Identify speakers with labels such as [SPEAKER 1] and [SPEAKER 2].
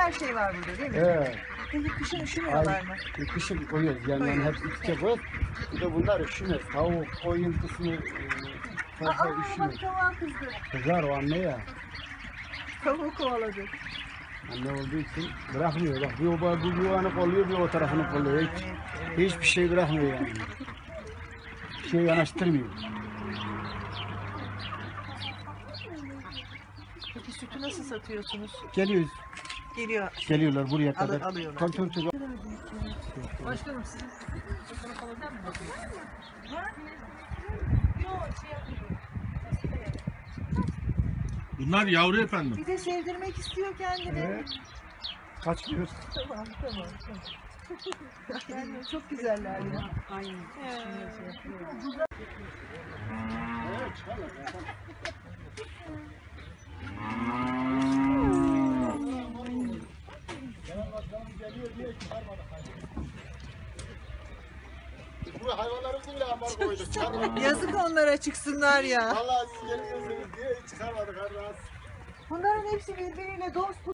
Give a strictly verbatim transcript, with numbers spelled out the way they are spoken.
[SPEAKER 1] her şey var burada değil mi?
[SPEAKER 2] He.
[SPEAKER 1] Peki kışın üşümüyorlar mı?
[SPEAKER 2] Ay, kışın koyuyoruz yani, yani hep içe koyuyoruz. Bir de bunlar üşümez. Tavuk, koyun kısmı e, fazla
[SPEAKER 1] Aa
[SPEAKER 2] üşümez.
[SPEAKER 1] bak tavuğa kızdı.
[SPEAKER 2] Kızar o anne ya.
[SPEAKER 1] Tavuğu kovaladı.
[SPEAKER 2] Anne olduğu için bırakmıyor. Bak bir o bu bir yuvanı kolluyor, bir o tarafını kolluyor. Hiç, hiçbir şey bırakmıyor yani. Bir şey yanaştırmıyor.
[SPEAKER 1] Peki sütü nasıl satıyorsunuz?
[SPEAKER 2] Geliyoruz.
[SPEAKER 1] Geliyor.
[SPEAKER 2] Geliyorlar buraya kadar.
[SPEAKER 1] alıyorlar.
[SPEAKER 2] Tabii, tabii, tabii.
[SPEAKER 1] Başkanım sizin
[SPEAKER 3] Bunlar yavru efendim.
[SPEAKER 1] bir de sevdirmek istiyor kendini.
[SPEAKER 2] Evet. Kaçmıyoruz.
[SPEAKER 1] Tamam tamam. tamam. Yani çok güzeller ya. Aynen.
[SPEAKER 2] Bu hayvanlarımızı bile ambar koyduk. Çıkarmadık.
[SPEAKER 1] Yazık onlara çıksınlar ya.
[SPEAKER 2] Vallahi siz gelirsiniz diye hiç çıkarmadık. Hadi az.
[SPEAKER 1] Bunların hepsi birbiriyle dost.